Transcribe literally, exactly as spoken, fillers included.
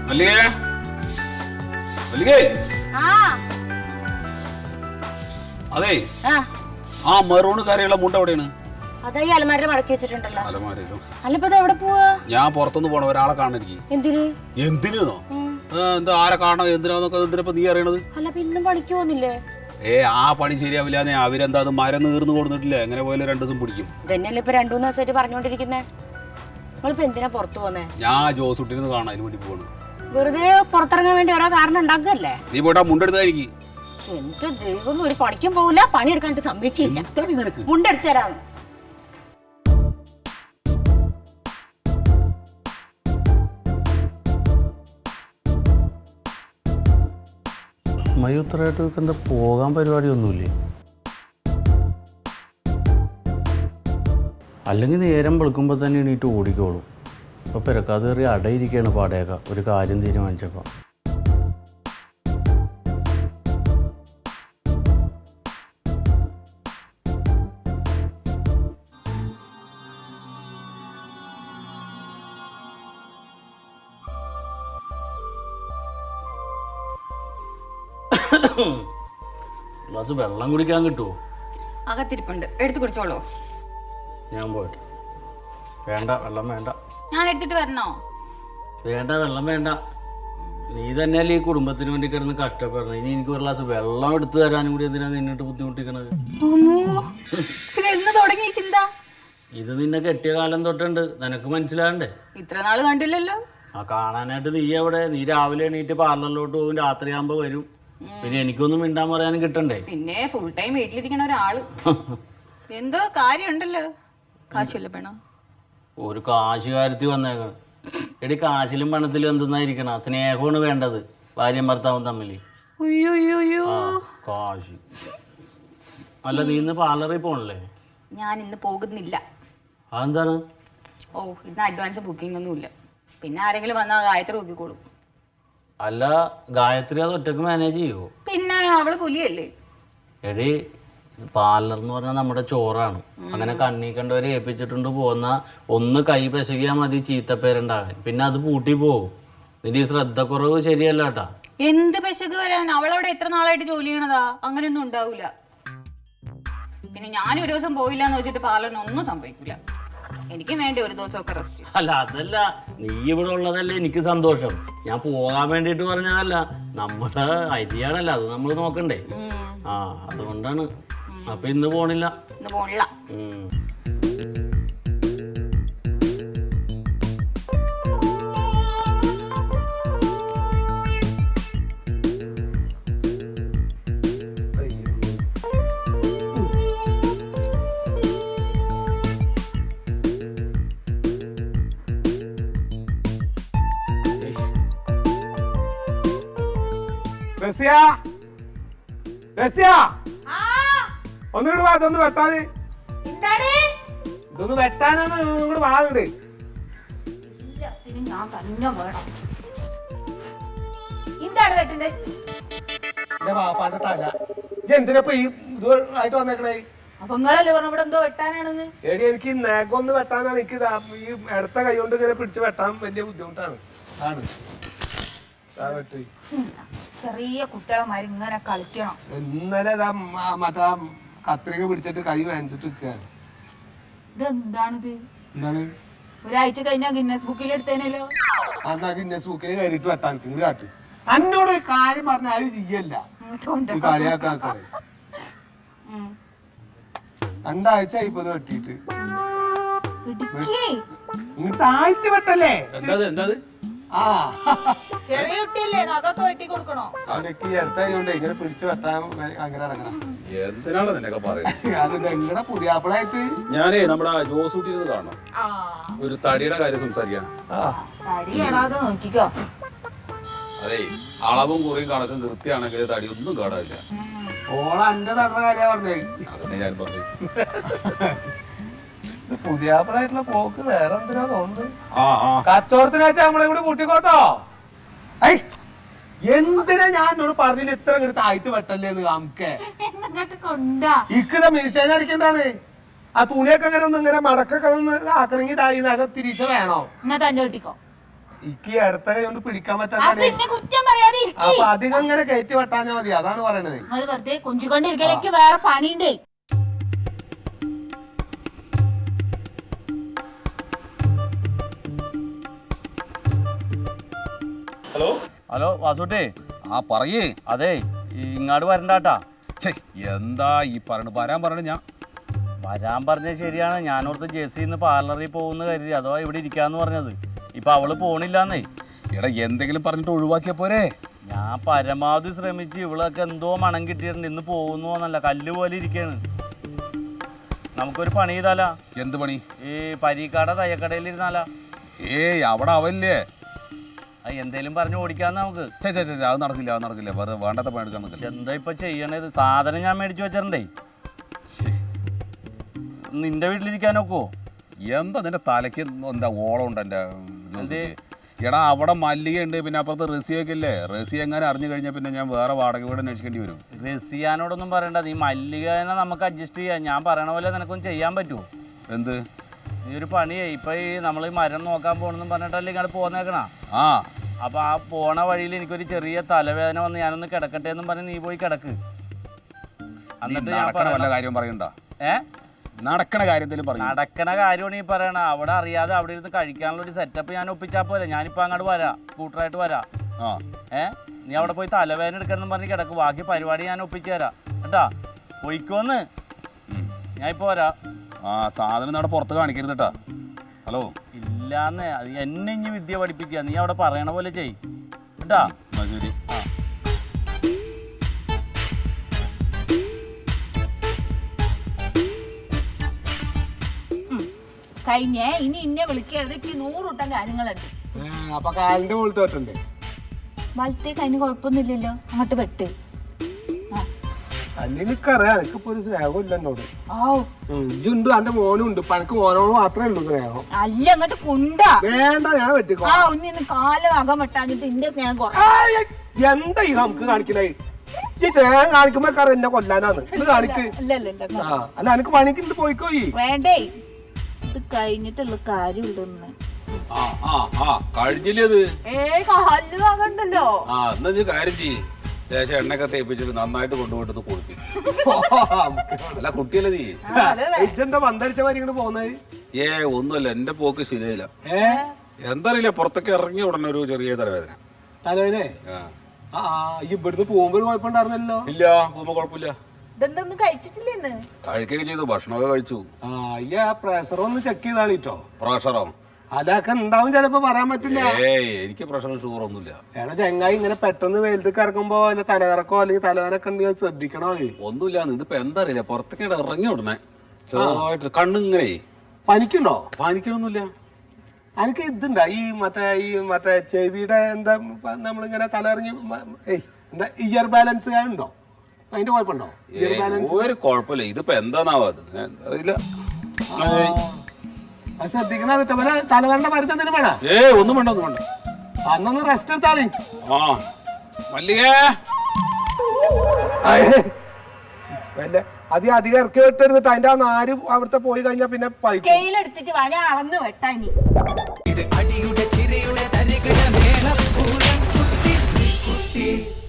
അതെ ആ മെറൂണ് കരയുള്ള മുണ്ട എവിടെയാണ്? അതായി അലമാര മടക്കി വെച്ചിട്ടുണ്ടല്ലോ. അലമാരയിലോ? അല്ലപ്പോ എവിടെ പോവാ? ഞാൻ പുറത്തുനിന്ന് പോണ ഒരാളെ കാണാൻ എനിക്ക്. എന്തിന്? എന്തിനോ? എന്താ ആരെ കാണാൻ എന്തിനാന്നൊക്കെ എന്തിനപ്പോ നീ അറിയണത്? അല്ല ഇന്നും പണിക്ക് പോകുന്നില്ലേ? ഏ ആ പണി ശരിയാവില്ല. അവരെന്താ അത് മരം നീർന്നു കൊടുത്തിട്ടില്ല. എങ്ങനെ പോയാലും രണ്ടു ദിവസം പിടിക്കും. ഇതന്നെയല്ലേ ഇപ്പൊ രണ്ടു മൂന്ന് ദിവസമായിട്ട് പറഞ്ഞോണ്ടിരിക്കുന്നേ. നിങ്ങളിപ്പോ എന്തിനാ പുറത്തു പോന്നേ? ഞാൻ ജോസൂട്ടിന്ന് കാണാൻ അതിന് വേണ്ടി പോകണം. വെറുതെ പുറത്തിറങ്ങാൻ വേണ്ടി ഓരോ കാരണം ഉണ്ടാക്കല്ലേ? നീ പോയിട്ടാ മുണ്ടെടുത്തായിരിക്കും. എന്റെ ദൈവം, ഒരു പണിക്കും പോകില്ല, പണിയെടുക്കാനായിട്ട് സമ്മതിച്ചില്ല. മുണ്ടെടുത്തു തരാം. മയൂത്രമായിട്ട് എന്താ പോകാൻ പരിപാടിയൊന്നുമില്ലേ? അല്ലെങ്കിൽ നേരം വെളുക്കുമ്പോൾ തന്നെ എണീറ്റ് ഓടിക്കോളും. ഇപ്പോൾ പെരക്കാതെ കയറി അടയിരിക്കുകയാണ് പാടേക്ക ഒരു കാര്യം തീരുമാനിച്ചപ്പോൾ. ഗ്ലാസ് വെള്ളം കുടിക്കാൻ കിട്ടുമോ? അകത്തിരിപ്പുണ്ട്, എടുത്തു കുടിച്ചോളൂ. ഞാൻ പോയിട്ട്. വേണ്ട, വെള്ളം വേണ്ട. ഞാൻ എടുത്തിട്ട് വരണോ? വേണ്ട, വെള്ളം വേണ്ട. നീ തന്നെയല്ലേ ഈ കുടുംബത്തിന് വേണ്ടി കിടന്ന് കഷ്ടപ്പെടണം. ഇനി എനിക്ക് ഒരു ഗ്ലാസ് വെള്ളം എടുത്തു തരാനും കൂടി എന്തിനാ നിന്നിട്ട് ബുദ്ധിമുട്ടിക്കണത്? എന്ന് തുടങ്ങി ചിന്ത? ഇത് നിന്നെ കെട്ടിയ കാലം തൊട്ടുണ്ട്, നിനക്ക് മനസ്സിലാകണ്ടേ? ഇത്ര നാള് കണ്ടില്ലല്ലോ. ആ കാണാനായിട്ട് നീ എവിടെ? നീ രാവിലെ എണീറ്റ് പാർലറിലോട്ട് പോകും, രാത്രിയാകുമ്പോ വരും. പിന്നെ എനിക്കൊന്നും മിണ്ടാൻ പറയാനും കിട്ടണ്ടേ? പിന്നെ ഫുൾ ടൈം വീട്ടിലിരിക്കണ ഒരാള്. എന്തോ കാര്യമുണ്ടല്ലോ. കാശല്ലേ വേണം? ഒരു കാശ് കാര്യത്തിൽ വന്നേക്കണം. എടി, കാശിലും പണത്തിലും എന്തെന്നായിരിക്കണം? സ്നേഹമാണ് വേണ്ടത് ഭാര്യയും ഭർത്താവും തമ്മിൽ. കാശ് അല്ല. നീ ഇന്ന് പാർലറിൽ പോണല്ലേ? ഞാൻ ഇന്ന് പോകുന്നില്ല. അതെന്താണ്? ഓ, ഇന്ന് അഡ്വാൻസ് ബുക്കിംഗ് ഒന്നുമില്ല. പിന്നെ ആരെങ്കിലും വന്നാൽ ഗായത്രി നോക്കിക്കോളും. അല്ല, ഗായത്രി അത് ഒറ്റക്ക് മാനേജ് ചെയ്യുമോ? പിന്നെ അവള് പുലിയല്ലേ. എടി, പാർലർ എന്ന് പറഞ്ഞാൽ നമ്മുടെ ചോറാണ്. അങ്ങനെ കണ്ണി കണ്ടവരെ ഏൽപ്പിച്ചിട്ടുണ്ട് പോകുന്ന ഒന്ന് കൈ പെശകിയാൽ മതി ചീത്തപ്പേരുണ്ടാകാൻ. പിന്നെ അത് പൂട്ടി പോകും. നിന്റെ ഈ ശ്രദ്ധക്കുറവ് ശരിയല്ല കേട്ടാ. എന്ത് പെശക് വരാൻ? അവളവിടെ എത്ര നാളായിട്ട് ജോലി ചെയ്യണതാ. അങ്ങനെയൊന്നും ഉണ്ടാവൂല. പിന്നെ ഞാൻ ഒരു ദിവസം പോയില്ല എന്ന് വെച്ചിട്ട് പാർലറിന് ഒന്നും സംഭവിക്കില്ല. എനിക്ക് വേണ്ടി ഒരു ദിവസമൊക്കെ റെസ്റ്റ്. അല്ല, അതല്ല, നീ ഇവിടെ ഉള്ളതല്ലേ എനിക്ക് സന്തോഷം. ഞാൻ പോകാൻ വേണ്ടിട്ട് പറഞ്ഞതല്ല. നമ്മുടെ അരിയാണല്ലോ, അത് നമ്മൾ നോക്കണ്ടേ? ആ, അതുകൊണ്ടാണ്. അപ്പൊ ഇന്ന് പോണില്ല. ഇന്ന് പോണില്ല. ഒന്നുകൂടെ വാ, ഇതൊന്ന് വെട്ടാന്. ഇതൊന്ന് വെട്ടാനാന്ന് ഇങ്ങോട്ട് വാങ്ങണ്ട്. ഞാൻ തന്നെ വേണം. എന്താണ് വെട്ടണ്ടേ? എന്റെ പാപ്പാന്റെ തല. ഇത് എന്തിനപ്പ ഈ ഇതായിട്ട് വന്നേക്കണേ? അപ്പൊ നിങ്ങളല്ലേ പറഞ്ഞ ഇവിടെ എന്തോ വെട്ടാനാണെന്ന്? എടി, എനിക്ക് നഖമൊന്ന് വെട്ടാനാണ്. എനിക്ക് ഈ ഇടത്ത കൈ കൊണ്ട് ഇങ്ങനെ പിടിച്ച് വെട്ടാൻ വലിയ ബുദ്ധിമുട്ടാണ്. ആണ് ചെറിയ കുട്ടികളെ ഇങ്ങനെ കളിക്കണം. ഇന്നലെ മറ്റാ കത്രിക പിടിച്ചിട്ട് കൈ വേനിച്ചിട്ട് നിൽക്കുകയാണ്. ഇതെന്താണിത്? എന്താണ്? ഒരാഴ്ച കഴിഞ്ഞാ ഗിന്നസ് ബുക്കിൽ എടുത്തേനല്ലോ. എന്നാ ഗിന്നസ് ബുക്കിൽ കയറിയിട്ട് വെട്ടാൻ ഇങ്ങോട്ട് കാട്ട്. എന്നോട് ഒരു കാര്യം പറഞ്ഞ ആരും ചെയ്യല്ല. കളിയാക്കാറ് രണ്ടാഴ്ച ഇപ്പൊ വെട്ടിട്ട് ഇങ്ങോട്ട് താഴ്ത്തി വെട്ടല്ലേ? ആ, ചെറിയ കുട്ടിയല്ലേ, നഖമൊക്കെ വെട്ടി കൊടുക്കണോ? അതൊക്കെ ഈ അടുത്തായതുകൊണ്ട് ഇങ്ങനെ പിടിച്ച് വെട്ടാൻ അങ്ങനെ ഇറങ്ങണം. എന്തിനാണ് നിനക്ക് പറയുന്നത്? അത് നിങ്ങളുടെ പുതിയാപ്പിളായിട്ട് ഞാനേ നമ്മുടെ ജോസൂട്ടിന്ന് കാണണം. ഒരു തടിയുടെ കാര്യം സംസാരിക്കാൻ. നോക്കിക്കോ. അതെ, അളവും കുറിയും കണക്കും കൃത്യമാണെങ്കിൽ തടി ഒന്നും കാണാനില്ല. ഓള എന്റെ തടണ കാര്യ പറഞ്ഞേ. അതന്നെ ഞാൻ പറഞ്ഞു. പുതിയാപ്പിളായിട്ടുള്ള പോക്ക് വേറെ എന്തിനാ തോന്നുന്നത്? കച്ചവടത്തിന് വെച്ചാൽ നമ്മളെ കൂടി കൂട്ടിക്കോട്ടോ. ഐ, എന്തിനാ ഞാൻ എന്നോട് പറഞ്ഞില്ല ഇത്ര ഇങ്ങോട്ട് താഴ്ത്തി വെട്ടല്ലേന്ന്? നമുക്ക് ഇക്കത മിഷീൻ അടിക്കണ്ടാണ്. ആ തുണിയൊക്കെ അങ്ങനെ ഒന്ന് ഇങ്ങനെ മടക്കൊക്കെ ഒന്ന് ആക്കണമെങ്കിൽ നഖം തിരിച്ച വേണോ? എന്നാ തന്നെ വെട്ടിക്കോ. എനിക്ക് അടുത്ത കൈ കൊണ്ട് പിടിക്കാൻ ആ, പറ്റാതെ പിന്നെ കുറ്റം പറയാതെ ഇരിക്ക്. അപ്പൊ അധികം ഇങ്ങനെ കയറ്റി വെട്ടാഞ്ഞാ മതി, അതാണ് പറയണത്. അത് വെറുതെ കൊഞ്ചിക്കൊണ്ടിരിക്കലേക്ക് വേറെ പണിയുണ്ടേ. ഹലോ ഹലോ വാസുട്ടേ, ആ പറയേ. അതെ ഇങ്ങാട് വരണ്ടാട്ടാ. ഛേ, എന്താ ഈ പറയണ വരാൻ പറയണ ഞാൻ വരാൻ പറഞ്ഞത് ശരിയാണ്. ഞാനോർത്ത് ജെസ്സിന്ന് പാർലറിൽ പോകുന്ന കരുതി, അഥവാ ഇവിടെ ഇരിക്കാന്ന് പറഞ്ഞത്. ഇപ്പൊ അവള് പോണില്ലാന്നേ. എടാ എന്തെങ്കിലും പറഞ്ഞിട്ട് ഒഴിവാക്കിയ പോരെ. ഞാൻ പരമാവധി ശ്രമിച്ച് ഇവളൊക്കെ എന്തോ മണം കിട്ടിയിട്ടുണ്ട്. ഇന്ന് പോകുന്നു എന്നല്ല, കല്ല് പോലെ ഇരിക്കാണ്. നമുക്കൊരു പണി ചെയ്താലാ? എന്ത് പണി? ഈ പരീക്കാട തയ്യക്കടയിൽ ഇരുന്നാലാ? ഏയ് അവിടെ അവല്ലേ. അത് എന്തേലും പറഞ്ഞു ഓടിക്കാന്ന് നമുക്ക്. ചേ ചേ ചേ അത് നടക്കില്ല, അത് നടക്കില്ല. വെറുതെ വേണ്ടാത്ത പണി എടുക്കാൻ നിൽക്കില്ല. എന്താ ഇപ്പൊ ചെയ്യണത്? സാധനം ഞാൻ മേടിച്ചു വെച്ചിട്ടുണ്ടേ. നിന്റെ വീട്ടിലിരിക്കാനൊക്കോ? എന്താ നിന്റെ തലയ്ക്ക് എന്താ ഓളം ഉണ്ട് എൻ്റെ ജോസിക്ക്? എടാ അവിടെ മല്ലിക ഉണ്ട്, പിന്നെ അപ്പുറത്ത് റസിയൊക്കെ ഇല്ലേ. റസി എങ്ങനെ അറിഞ്ഞു കഴിഞ്ഞാൽ പിന്നെ ഞാൻ വേറെ വാടക വീട് അന്വേഷിക്കേണ്ടി വരും. റസിയാനോടൊന്നും പറയണ്ട, നീ മല്ലികനെ നമുക്ക് അഡ്ജസ്റ്റ് ചെയ്യാം. ഞാൻ പറയണ പോലെ നിനക്കൊന്നും ചെയ്യാൻ പറ്റുമോ? എന്ത്? നീ ഒരു പണിയേ, ഇപ്പൊ ഈ നമ്മൾ ഈ മരം നോക്കാൻ പോകണമെന്നും പറഞ്ഞിട്ടല്ലേ ഇങ്ങോട്ട് പോന്നേക്കണ. ആ അപ്പൊ ആ പോണ വഴിയിൽ എനിക്കൊരു ചെറിയ തലവേദന വന്ന് ഞാനൊന്ന് കിടക്കട്ടെ എന്നും പറഞ്ഞ് നീ പോയി കിടക്ക്. എന്നിട്ട് ഞാൻ നടക്കണ വല്ല കാര്യം പറയണ്ട. ഏ നടക്കണ കാര്യം എന്തെങ്കിലും പറയും. നടക്കണ കാര്യമാണ് ഈ പറയണ. അവിടെ അറിയാതെ അവിടെ ഇരുന്ന് കഴിക്കാനുള്ള ഒരു സെറ്റപ്പ് ഞാൻ ഒപ്പിച്ചാൽ പോലെ. ഞാനിപ്പോൾ അങ്ങോട്ട് വരാം, സ്കൂട്ടറായിട്ട് വരാം. ആ ഏ നീ അവിടെ പോയി തലവേദന എടുക്കണം പറഞ്ഞ് കിടക്ക്. ബാക്കി പരിപാടി ഞാൻ ഒപ്പിച്ചു തരാം കേട്ടാ. പോയിക്കോന്ന്, ഞാൻ ഇപ്പോൾ വരാം. ആ സാധനം അവിടെ പുറത്ത് കാണിക്കരുത് കേട്ടാ. ഹലോ ഇല്ലാന്ന്, അത് എന്നെ ഇനി വിദ്യ പഠിപ്പിക്കുക. നീ അവിടെ പറയണ പോലെ ചെയ് കേട്ടാ. എന്നാ ശരി. ആ കഴിഞ്ഞേ, ഇനി ഇന്നെ വിളിക്കരുത്. എനിക്ക് നൂറുട്ടം കാര്യങ്ങളുണ്ട്. അപ്പൊ കാലിന്റെ മുകളിൽ തോട്ടുണ്ട്. വലത്തേക്ക് അതിന് കുഴപ്പമൊന്നുമില്ലല്ലോ, അങ്ങോട്ട് വെട്ട്. അല്ല എനിക്കറിയാം, എനിക്കിപ്പോ ഒരു സ്നേഹം ഇല്ല എന്നോട്. ആ ഇജുണ്ട്, എന്റെ മോനും ഉണ്ട്. ഇപ്പൊ എനിക്ക് മോനോട് മാത്രമേ ഉള്ളൂ സ്നേഹം. അല്ല അങ്ങോട്ട് കുണ്ടാ. വേണ്ട, ഞാൻ വെട്ടിക്കോ. ആ ഉന്നി ഇന്ന് കാല് അകം വെട്ടാഞ്ഞിട്ട് ഇന്റെ സ്നേഹം കുറ. എന്താ ഈ നമുക്ക് കാണിക്കണേ? ഈ സ്നേഹം കാണിക്കുമ്പോ കറ എന്നെ കൊല്ലാനാണ് ഇത് കാണിക്ക്. ആ അല്ല എനിക്ക് പണിക്ക് പോയിക്കോ. ഈ വേണ്ടേ, ഇത് കഴിഞ്ഞിട്ടുള്ള കാര്യമുണ്ടെന്ന്. ആ ആ ആ കഴിഞ്ഞില്ലേ അത്? ഏ കല്ല് ആകണ്ടല്ലോ. ആ എന്നാ നീ കാര്യം ചെയ്യ്. ലേശം എണ്ണയൊക്കെ തേപ്പിച്ചിട്ട് നന്നായിട്ട് കൊണ്ടുപോയിട്ട് കൊടുക്കും. അല്ല കുട്ടിയല്ലേ നീ? ഇജെന്താ പന്തടിച്ച മാതിരി ഇങ്ങോട്ട് പോകുന്നത്? ഏ ഒന്നുമല്ല, എന്റെ പോക്ക് ശരിയായില്ല. ഏ എന്താ അറിയില്ല, പുറത്തൊക്കെ ഇറങ്ങിയ ഉടനെ ഒരു ചെറിയ തലവേദന. തലേനെ ആ ആ ഈ ഇവിടുന്ന് പോകുമ്പോൾ കുഴപ്പമുണ്ടായിരുന്നല്ലോ. ഇല്ല, പോകുമ്പോ കുഴപ്പമില്ല. ഇതെന്തൊന്നും കഴിച്ചിട്ടില്ലെന്ന്. കഴിക്കുകയൊക്കെ ചെയ്തു, ഭക്ഷണമൊക്കെ കഴിച്ചു. ആ ഈ ആ പ്രഷർ ഒന്ന് ചെക്ക് ചെയ്താണ് കേട്ടോ. പ്രഷറോ? അതൊക്കെ ഉണ്ടാവും, ചിലപ്പോ പറയാൻ പറ്റില്ല. ഏയ് എനിക്ക് പ്രഷറും ഷുഗർ ഒന്നുമില്ല. ഏടാ ചെങ്ങായി ഇങ്ങനെ പെട്ടെന്ന് വെയിലത്തേക്ക് ഇറങ്ങുമ്പോ അല്ല തലകറക്കോ അല്ലെങ്കിൽ തലവേനൊക്കെ ഉണ്ടെങ്കിൽ ശ്രദ്ധിക്കണോ. ഒന്നുമില്ല, ഇതിപ്പോ എന്താ അറിയില്ല, പുറത്തേക്ക് ഇറങ്ങി ഉടനെ ചെറുതായിട്ട് കണ്ണിങ്ങനെ പനിക്കുണ്ടോ? പാനിക്കണമൊന്നുമില്ല. എനിക്ക് ഇതുണ്ടാ ഈ മറ്റേ ഈ മറ്റേ ചെവിയുടെ എന്താ നമ്മളിങ്ങനെ തലറിഞ്ഞ് ഏയ് എന്താ ഇയർ ബാലൻസ് ഉണ്ടോ? അതിന്റെ കുഴപ്പമുണ്ടോ? ഇയർ ബാലൻസ് ഒരു കുഴപ്പമില്ല. ഇതിപ്പോ എന്താന്നാവാ അത് അറിയില്ല. അത് ശ്രദ്ധിക്കണ തലവേണ്ട മരുന്ന് എന്തിനും വേണ? ഏ ഒന്നും വേണ്ട, ഒന്നും വേണ്ട. അന്നൊന്ന് റെസ്റ്റ് എടുത്താളി. ആ മല്ലിക അത് അധികം ഇറക്കി വിട്ടെടുത്തിട്ട് അതിന്റെ ആ നാര് അവിടുത്തെ പോയി കഴിഞ്ഞാൽ പിന്നെ സ്കെയിലെടുത്തിട്ട് വന അളന്ന് വെട്ടാനി. ഇത് അടിയുടെ ചിരിയുടെ തരികിട മേളപ്പൂരം കുട്ടീസ് കുട്ടീസ്